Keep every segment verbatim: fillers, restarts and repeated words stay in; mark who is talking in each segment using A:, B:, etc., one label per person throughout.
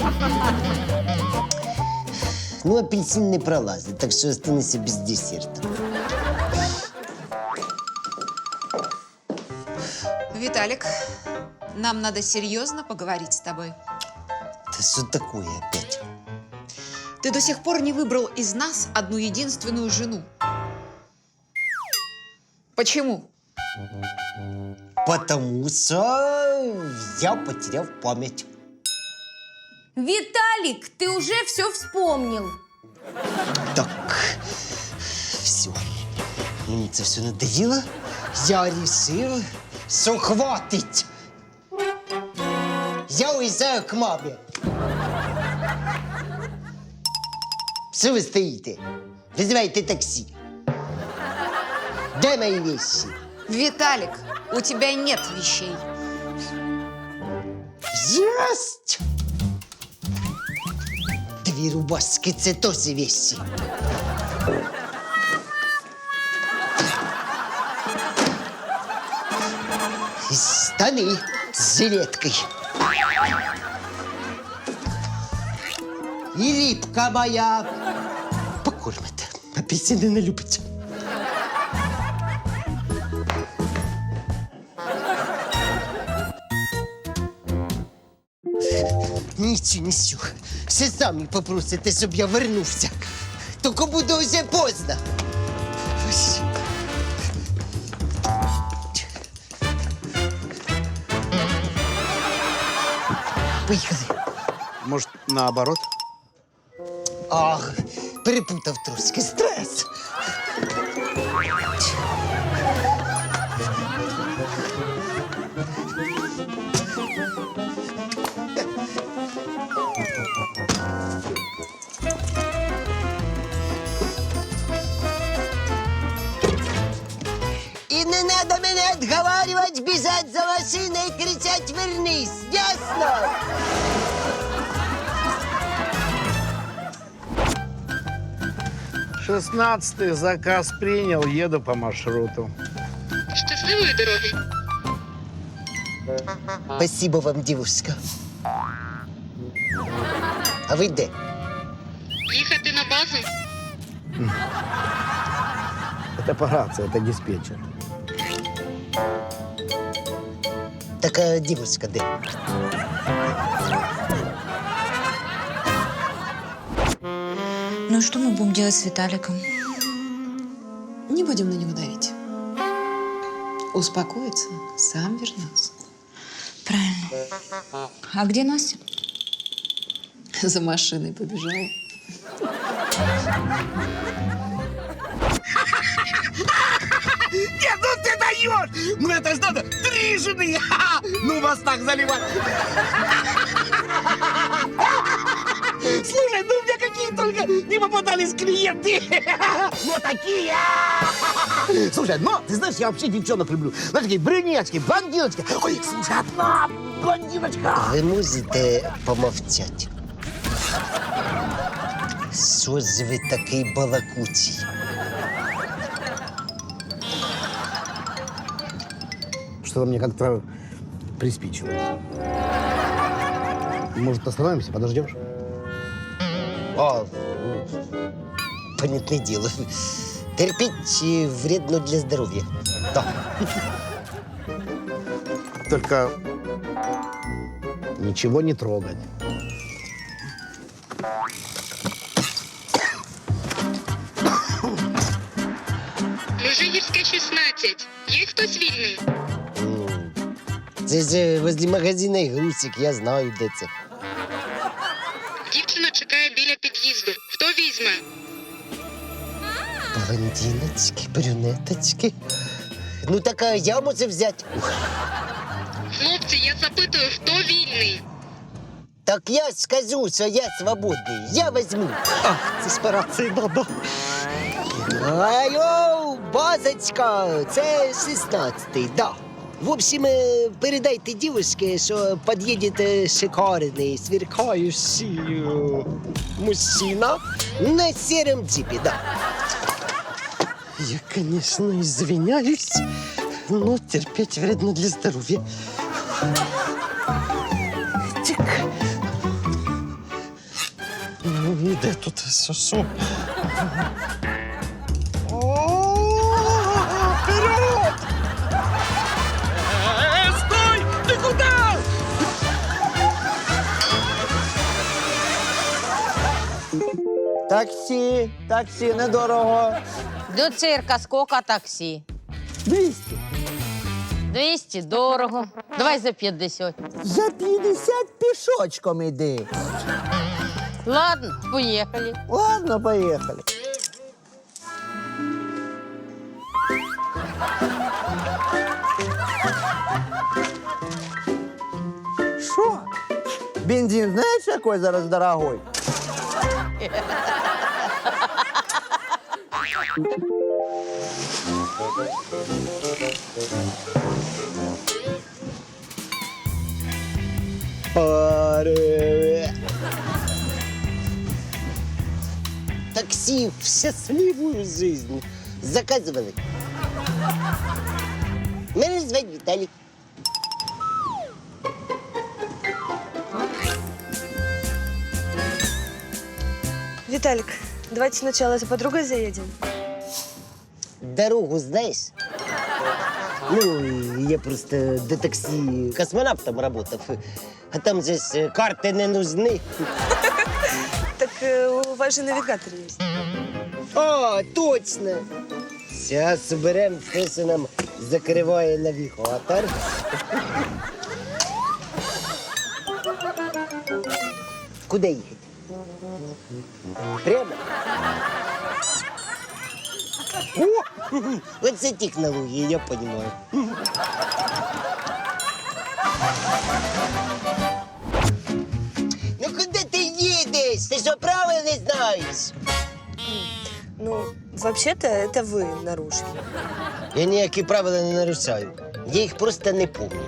A: Ну, апельсин не пролазить, так що останешся без десерту.
B: Виталик, нам надо серьезно поговорить с тобой.
A: Да что такое опять?
B: Ты до сих пор не выбрал из нас одну единственную жену. Почему?
A: Потому что я потерял память.
C: Виталик, ты уже все вспомнил.
A: Так, все. Мені це все надоело. Я решил, что хватит. Я уезжаю к маме. Что вы стоите? Вызывайте такси. Дай мои вещи.
B: Виталик, у тебя нет вещей.
A: Есть! Две рубашки, це тоже вещи. И штаны с жилеткой. И липка моя. Покормите. Апельсины не любите. Нічого, нічого. Все самі попросите, щоб я вернувся. Тільки буде вже поздно. Ось. Поїхали.
D: Может, наоборот?
A: Ах, перепутав трошки. Стрес. И не надо меня отговаривать, бежать за машиной и кричать «Вернись!» Ясно?
D: Шестнадцатый заказ принял, еду по маршруту.
E: Щасливої дороги.
A: Спасибо вам, девушка. А ви де?
E: Їхати на базу?
D: Это по рации, это диспетчер.
A: Так, а девушка де?
F: Ну и что мы будем делать с Виталиком?
B: Не будем на него давить. Успокоится, сам вернется.
F: Правильно. А где Настя?
B: За машиной побежала.
G: Нет, ну ты даешь! Ну это ж надо три жены! Ха-ха! Ну вас так заливать! Слушай, ну у меня какие только не попадались клиенты! Ну такие! Слушай, ну ты знаешь, я вообще девчонок люблю. Знаешь, такие брюнетки, блондиночки. Ой, слушай, одна блондиночка!
A: Ви можете помовчати? Що ж ви такий балакучий?
D: Что-то мне как-то приспичило. Может, остановимся, подождешь?
A: А, ну, понятное дело. Терпеть э, вредно для здоровья. Да.
D: Только ничего не трогать.
E: Межигірська, шістнадцять. Є хтось вільний?
A: М, Це ж возле магазина ігрусик, я знаю, де це.
E: Дівчина чекає біля під'їзду. Хто візьме?
A: Блондиночки, брюнеточки. Ну так а я можу взяти.
E: Хлопці, я запитую, хто вільний?
A: Так я ж скажу, що я свободний. Я возьму.
G: А, це ж по рации надо.
A: Алло, базочка, це шістнадцятий, да. В общем, э, передайте девушке, что подъедет э, шикарный, сверкающий э, мужчина на сером джипе, да.
G: Я, конечно, извиняюсь, но терпеть вредно для здоровья. Так.
A: Де тут? Що? що?
G: Таксі, таксі, недорого.
C: До цирка сколько таксі?
G: двісті.
C: двісті, дорого. Давай за п'ятдесят.
G: За п'ятдесят пішочком іди.
C: Ладно, поїхали.
G: Ладно, поїхали. Що? Бензин знаєш, який зараз дорогой?
A: Привет. Такси в счастливую жизнь заказывали. Меня звать Виталик.
H: Виталик, давайте сначала за подругой заедем.
A: Дорогу знаешь? Ну, я просто до такси космонавтом работал. А там здесь карты не нужны.
H: Так э, у вас же навигатор есть.
A: А, точно. Сейчас уберем, хто нам закриває навігатор. Куда їхати? Прямо? О, вот це технології, я понимаю. Ну куди ти їдеш? Ти що правил не знаєш?
H: Ну, вообще-то это вы нарушили.
A: Я ніякі правила не нарушаю. Я їх просто не помню.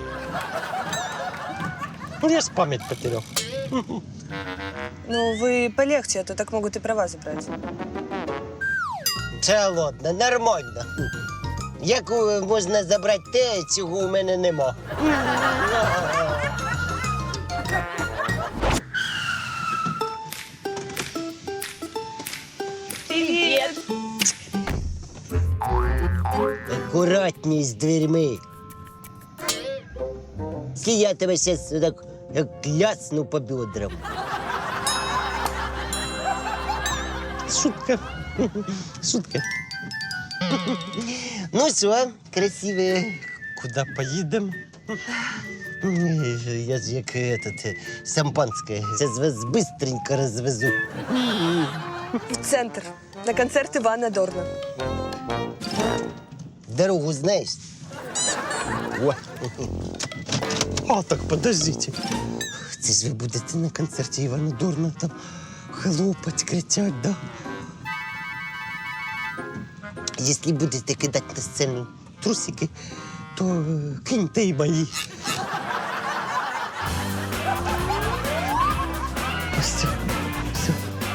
A: Ну, я ж пам'ять потеряв.
H: Ну, вы полегче, а то так могут и права забрать.
A: Це ладно, нормально. Як е, можна забрати те, цього у мене нема?
H: Привет!
A: Акуратні з дверьми. Якщо я тебе зараз так як лясну по бедрам. Шутка. Шутка. Ну що, красиве, куди поїдемо? Я ж як этот, е, шампанське. Зараз вас быстренько розвезу.
H: В центр. На концерт Ивана Дорна.
A: Дорогу знаешь? О. А, так подождите. Це ж ви будете на концерті Івана Дорна там хлопать, кричать, да? Якщо будете кидати на сцену трусики, то е, киньте і мої. Все, все.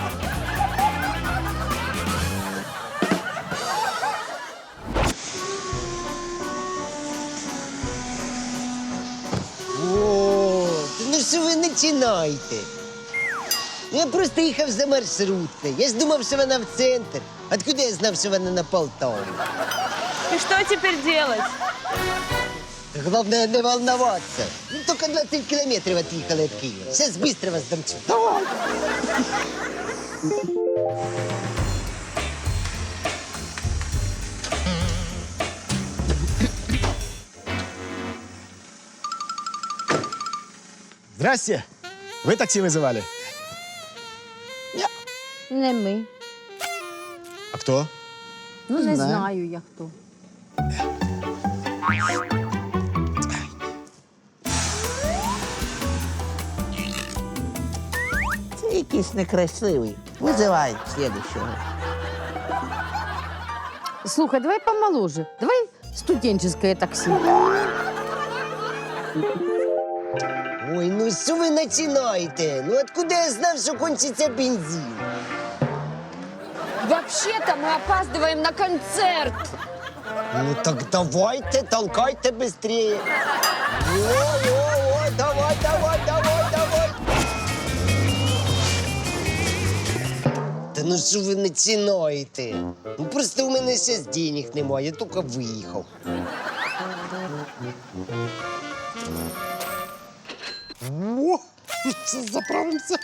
A: О, ну що ви починаєте? Я просто їхав за маршруткою. Я ж думав, що вона в центр. Откуда я знав, що вона на Полтаву?
H: И что теперь делать?
A: Главное не волноваться. Ну, только двадцать километров отъехали от Киева. Сейчас быстро вас домчу. Давай!
I: Здрасте. Вы такси вызывали?
C: Не ми.
I: А кто?
C: Ну, не знаю я хто.
G: Це якийсь некрасивий. Визивай слідущого.
C: Слухай, давай помоложе. Давай студенческое такси.
A: Ой, ну що ви починаєте? Ну откуда я знав, що кончиться бензин?
C: Вообще-то мы опаздываем на концерт.
A: Ну так давайте, толкайте быстрее. О-о-о, давай, давай, давай, давай. ну що ви починаєте? Ну просто у мене зараз денег немає, я тільки виїхав.
I: О, заправимся.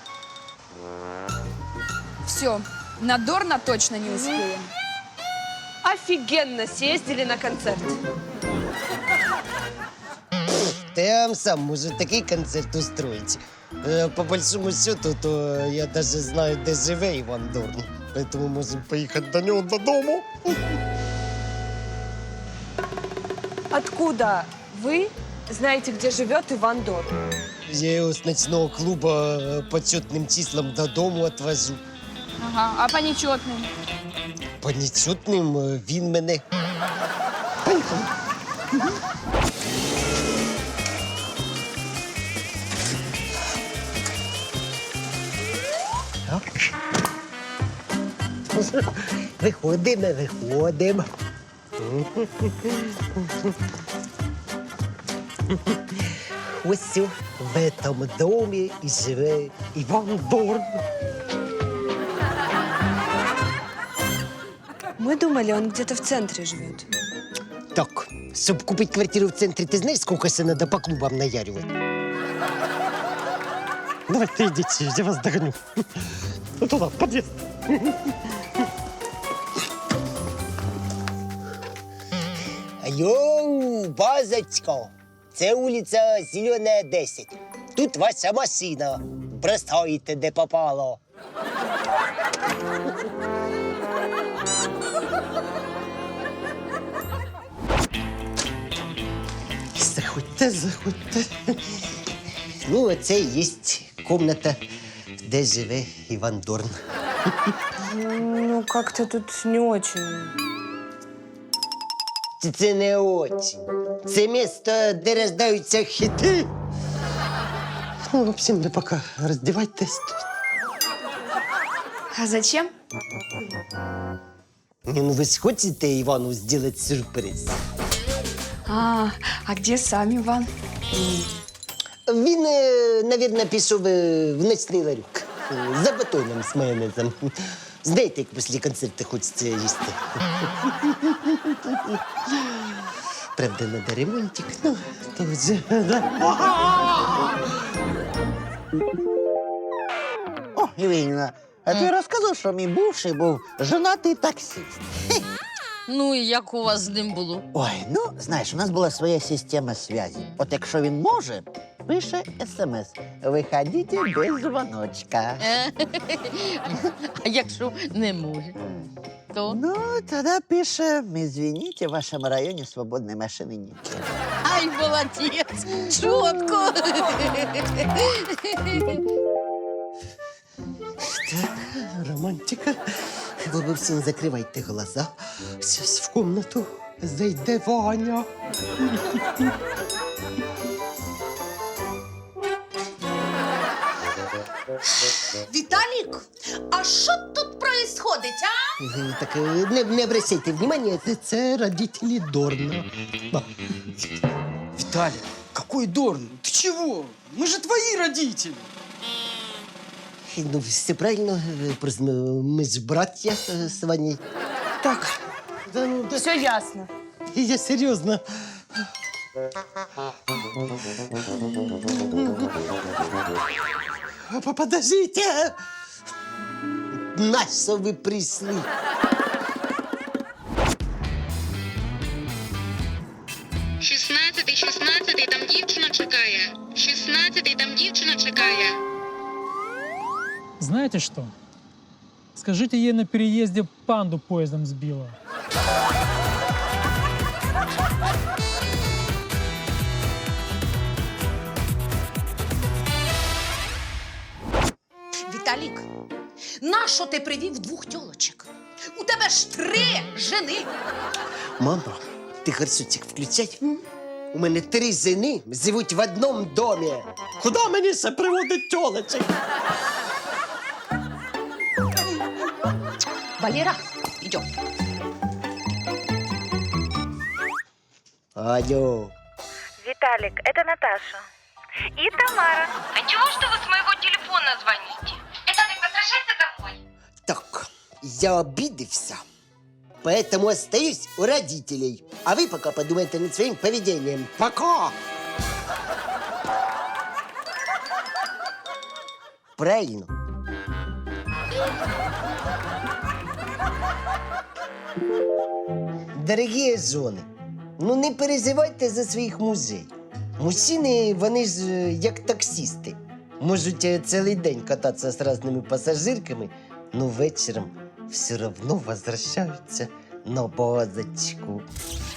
J: Все, на Дорна точно не успеем.
H: Офигенно съездили на концерт.
A: Та я вам сам можу такий концерт устроить. Е, По большому счету, то я даже знаю, де живе Іван Дорн. Поэтому можемо поїхати до нього додому.
H: Откуда вы знаете, где живет Иван Дорн?
A: Я його з ночного клубу е, по чотним числам додому отвожу.
J: Ага, а по нечетным?
A: По нечутним е, він мене. Виходимо, виходимо. Ось в цьому домі і живе Іван Дорн.
H: Мы думали, он где-то в центре живет.
A: Так, щоб купити квартиру в центрі, ти знаєш, скільки ще треба по клубам наярювати? Давайте йдіть, я вас догоню. Туди, в під'їзд. Йоу, базочка, це вулиця Зелена, десять. Тут ваша машина. Простоїте, де попало. Заходьте, заходьте. Ну, це і є кімната, де живе Іван Дорн.
H: Ну, как-то тут не очень.
A: Це- Це не очень. Це місто, де рождаються хіти. Ну, в общем, ви поки роздівайтесь тут.
J: А зачем?
A: Ні, ну ви ж хочете Івану зробити сюрприз?
J: А, а где сам Иван?
A: Він, е, навірно, пішов е, в ночний ларюк. Е, За батоном з майонезом. Знаєте, як після концерту хочеться їсти. Правда, треба ремонтик, ну, то вже, да.
G: О, Євгенівна, а ти розказав, що мій бувший був женатий таксист.
C: Ну і як у вас з ним було?
G: Ой, ну, знаєш, у нас була своя система зв'язі. От якщо він може, пише смс. Виходіть без дзвоночка.
C: А якщо не може, то?
G: Ну, тоді пише, извините, в вашому районі свободної машини нет.
C: Ай, молодець! Чітко!
A: Так, романтика. Ви ви всім закривайте глаза. Зараз в комнату зайде Ваня.
B: Віталік, а що тут происходить, а?
A: Е, Так, е, не, не обращайте внимания, це, це родителі Дорна. А,
K: Виталик, какой Дорн? Ты чего? Мы же твои родители.
A: Ну, все правильно, е, просто ну, ми ж браття е, з Ваней.
H: Так,
A: Да, ну, да,
H: все ясно.
A: я серйозно. П- Подождите! На що ви прийшли?
E: Шістнадцятий, шістнадцятий, там дівчина чекає. Шістнадцятий, там дівчина чекає.
L: Знаете что? Скажите ей на переезде панду поездом сбила.
B: Віталік, нащо ти привів двох тьолочок? У тебе ж три жени.
A: Мама, ти гарсуцик включай. У мене три жени живуть в одному домі. Куди мені ще приводить тьолочок?
B: Валера, йдем.
A: Алло.
F: Виталик, это Наташа. И Тамара.
E: А чего что вы с моего телефона звоните? Это не возвращайся домой.
A: Так, Я обиделся, поэтому остаюсь у родителей. А вы пока подумайте над своим поведением. Пока! Правильно. Дорогі жони, ну не переживайте за своїх мужей. Мужчини, вони ж е, як таксісти. Можуть е, цілий день кататися з різними пасажирками, но вечором все одно возвращаються на базочку.